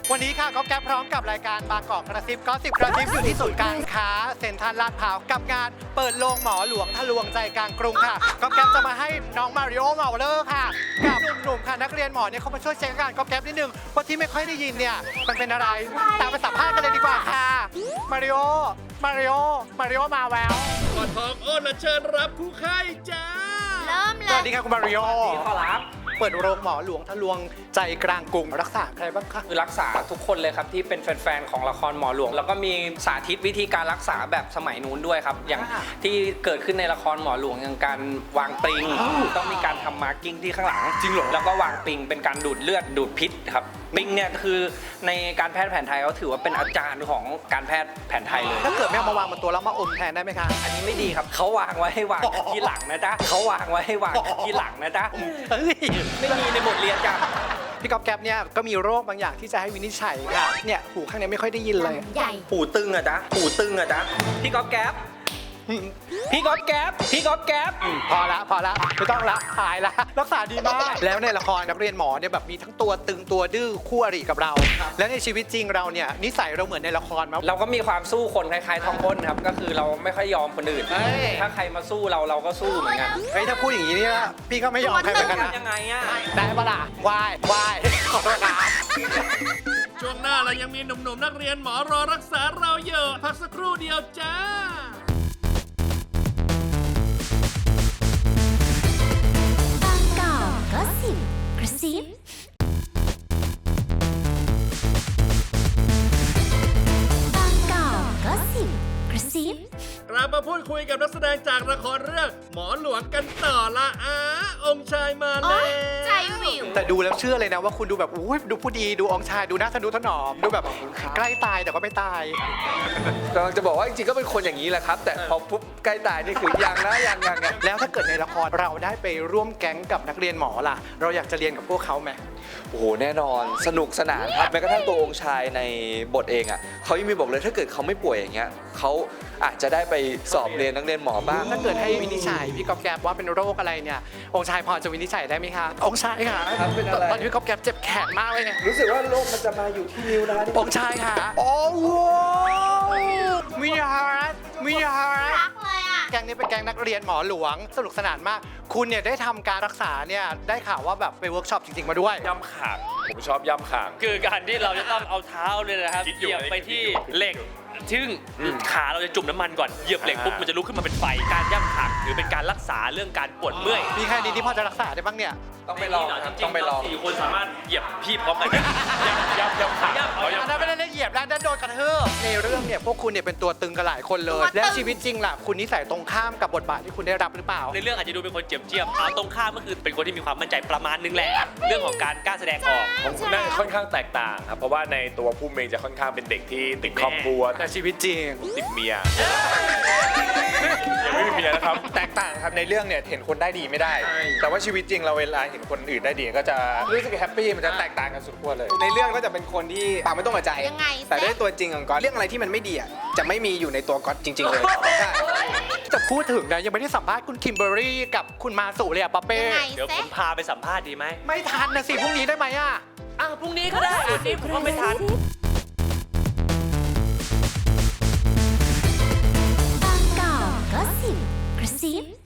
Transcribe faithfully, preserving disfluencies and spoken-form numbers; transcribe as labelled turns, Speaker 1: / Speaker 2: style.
Speaker 1: วันนี้ค่ะก็แก๊ปพร้อมกับรายการบางกอกกระซิบก็สิบกระซิบอยู่ที่ศูนย์การค้าเซ็นทรัลลาดพร้าวกับงานเปิดโรงหมอหลวงทะลวงใจกลางกรุงค่ะก็แก๊ปจะมาให้น้องมาริโอเมาเลอร์ค่ะกับหนุ่มๆค่ะนักเรียนหมอเนี่ยเขามาช่วยเช็คอาการก็แก๊ปนิดนึงว่าที่ไม่ค่อยได้ยินเนี่ยมันเป็นอะไรตามไปสัมภาษณ์กันเลยดีกว่าค่ะมาริโอมาริโอมาริโอมาแวว
Speaker 2: ก่อนทองอ้นและเชิญรับผู้ไข้จ้า
Speaker 3: เริ่มเล
Speaker 1: ส
Speaker 3: ย
Speaker 1: วัสดีค่ะคุณมาริโอ
Speaker 4: ขอรับ
Speaker 1: เปิดโรงหมอหลวงทะลวงใจกลางกรุงรักษาใครบ้างคะ
Speaker 4: คือรักษาทุกคนเลยครับที่เป็นแฟนๆของละครหมอหลวงแล้วก็มีสาธิตวิธีการรักษาแบบสมัยนู้นด้วยครับอย่างที่เกิดขึ้นในละครหมอหลวงอย่างการวางปริงต้องมีการทำมาร์กิ้งที่ข้างหลัง
Speaker 1: จริงเหรอ
Speaker 4: แล้วก็วางปริงเป็นการดูดเลือดดูดพิษครับปริงเนี่ยคือในการแพทย์แผนไทยเขาถือว่าเป็นอาจารย์ของการแพทย์แผนไทยเลย
Speaker 1: ถ้าเกิดไม่เอามาวางบนตัวแล้วมาอมแทนได้ไหมคะ
Speaker 4: อันนี้ไม่ดีครับเขาวางไว้ให้วางที่หลังนะจ๊ะเขาวางไว้ให้วางที่หลังนะจ๊ะ
Speaker 1: เฮ้ย
Speaker 4: ไม่มีในบทเรียนจ้ะ
Speaker 1: พี่ก๊อฟแก๊ปเนี่ยก็มีโรคบางอย่างที่จะให้วินิจฉัยค่ะเนี่ยหูข้างนี้ไม่ค่อยได้ยินเลย
Speaker 3: ใหญ่
Speaker 4: หูตึงอะจ๊ะหูตึงอะจ๊ะพี่ก๊อฟแก๊ปพี่ก๊อฟแก๊ปพี่ก๊อฟแก๊ป
Speaker 1: พอละพอละไม่ต้องละหายละรักษาดีมาก แล้วในละครนักเรียนหมอเนี่ยแบบมีทั้งตัวตึงตัวดื้อคู่อริกับเรา แล้วในชีวิตจริงเราเนี่ยนิสัยเราเหมือนในละครไหม
Speaker 4: เราก็มีความสู้คนคล้ายๆทองพ้นครับก็คือเราไม่ค่อยยอมคนอื่น
Speaker 1: เฮ้ย
Speaker 4: ถ้าใครมาสู้เราเราก็สู้เหมือนกัน
Speaker 1: เฮ้ยถ้าพูดอย่างนี้เนี่ยพี่ก็ไม่ยอมใครเหมือนกันนะ
Speaker 4: ยังไงอะ
Speaker 1: ได้ปะล่ะวายวายขอโทษนะ
Speaker 2: ช่วงหน้าเรายังมีหนุ่มๆนักเรียนหมอรอรักษาเราอยู่พักสักครู่เดียวจ้า
Speaker 3: บางกอกก็สิบกระซิบางกอกก็สิบกระซิบ
Speaker 2: เรามาพูดคุยกับนักแสดงจากละครเรื่องหมอหลวงกันต่อละอาองค์ชายมาแล้ว
Speaker 3: ใจวิว
Speaker 1: แต่ดูแล้วเชื่อเลยนะว่าคุณดูแบบอุ้ยดูผู้ดีดูองค์ชายดูน่าทะนุถนอมดูแบบใกล้ตายแต่ก็ไม่ตาย
Speaker 5: กำลังจะบอกว่าจริงๆก็เป็นคนอย่างนี้แหละครับ แต่พอปุ๊บใกล้ตายนี่คือยังนะยังยังยัง
Speaker 1: แล้วถ้าเกิดในละครเราได้ไปร่วมแก๊งกับนักเรียนหมอล่ะ เราอยากจะเรียนกับพวกเขาไหม
Speaker 5: โอ้โหแน่นอนสนุกสนานครับแม้กระทั่งตัวองค์ชายในบทเองอ่ะเขายังมีบอกเลยถ้าเกิดเขาไม่ป่วยอย่างเงี้ยเขาอาจจะได้ไปสอบเรียนนักเรียนหมอบ้าง
Speaker 1: ถ้าเกิดให้วินิจฉัยพี่ก๊อฟแก๊ปว่าเป็นโรคอะไรเนี่ยองค์ชายพอจะวินิจฉัยได้ไหมคะองค์ชายค่ะ
Speaker 5: ครับเป็นอะไร
Speaker 1: ตอนนี้พี่ก๊อฟแก๊ปเจ็บแขนมากเลยเนี่ย
Speaker 5: รู้สึกว่าโรคมันจะมาอยู่ที่นิ้วนะ
Speaker 1: องค์ชายค่ะโอ้โหวิยารัตวิยารัต
Speaker 3: รักเลยอ่ะ
Speaker 1: แก๊งนี้เป็นแก๊งนักเรียนหมอหลวงสนุกสนานมาก คุณเนี่ยได้ทำการรักษาเนี่ยได้ข่าวว่าแบบไปเวิร์กช็อปจริงๆมาด้วย
Speaker 6: ย่ำขางผมชอบย่ำขางคือการที่เราจะต้องเอาเท้าเลยนะครับคิดอเหยู่ ยียบไปที่เหล็กซึ่งขาเราจะจุ่มน้ำมันก่อนเหยียบเหล็กปุ๊บมันจะลุกขึ้นมาเป็นไฟการย่ำขางถือเป็นการรักษาเรื่องการปวดเมื่อย
Speaker 1: มีใครดีที่พอจะรักษาได้บ้างเนี่ย
Speaker 5: ต้องไปลองครับต้องไปลอง
Speaker 6: สี่คนสามารถเหยียบพี่พร้อมกันย่ำย่ำย่ำขางเอา
Speaker 1: อัน
Speaker 6: ย่ำ
Speaker 1: นั้นไม่ได้เหยียบแล้วนั่นโดนกระทืบในเรื่องเนี่ยพวกคุณเนี่ยเป็นตัวตึงกันหลายคนเลย
Speaker 3: ตัวตึง
Speaker 1: และชีวิตจริงล่ะคุณนิสัยตรงข้ามกับบทบาทที่คุณได้รับหรือเปล่า
Speaker 6: ในเรื่องอาจจะดูเป็นคนเจียมเจียมเอาตรงข้ามก็คือเป็นคนที่มีความมั่นใจประมาณนึงแหละเรื่องของการกล้าแสดงออก
Speaker 7: ผมน่าจะค่อนข้างแตกต่างครับ เพราะว่าในตัวผู้เมงจะค่อนข้างเป็นเด็กที่ติดครอบครัว
Speaker 1: แต่ชีวิตจริง
Speaker 7: ติดเมียยังไม่มีเมียนะครับ
Speaker 8: แตกต่างครับในเรื่องเนี่ยเห็นคนได้ดีไม่ได้ แต่ว่าชีวิตจริงเราเวลาเห็นคนอื่นได้ดีก็จะรู้สึกแฮปปี้มันจะแตกต่างกันสุดขั้วเลย ในเรื่องก็จะเป็นคนที่ปากไม่ต้องกระใจ
Speaker 3: ยังไง
Speaker 8: แต่ด้วยตัวจริงของก๊อตเรื่องอะไรที่มันไม่ดีอ่ะจะไม่มีอยู่ในตัวก๊อตจริง ๆ เลยใช่
Speaker 1: จะพูดถึงนะยังไม่ได้สัมภาษณ์คุณคิมเบอร์รี่กับคุณมาสุเลยอะป๊อปเป้
Speaker 3: ยังไง
Speaker 6: เดี๋ยว
Speaker 3: เซ็
Speaker 6: ผมพาไปสัมภาษณ์ดีไหม
Speaker 1: ไม่ทันนะสิพรุ่งนี้ได้ไหมอะ
Speaker 6: อ่ะพรุ่งนี้ก็ได้วันนี้ผมก็ไม่ทัน
Speaker 3: บางกอกก็สิบกระซิบ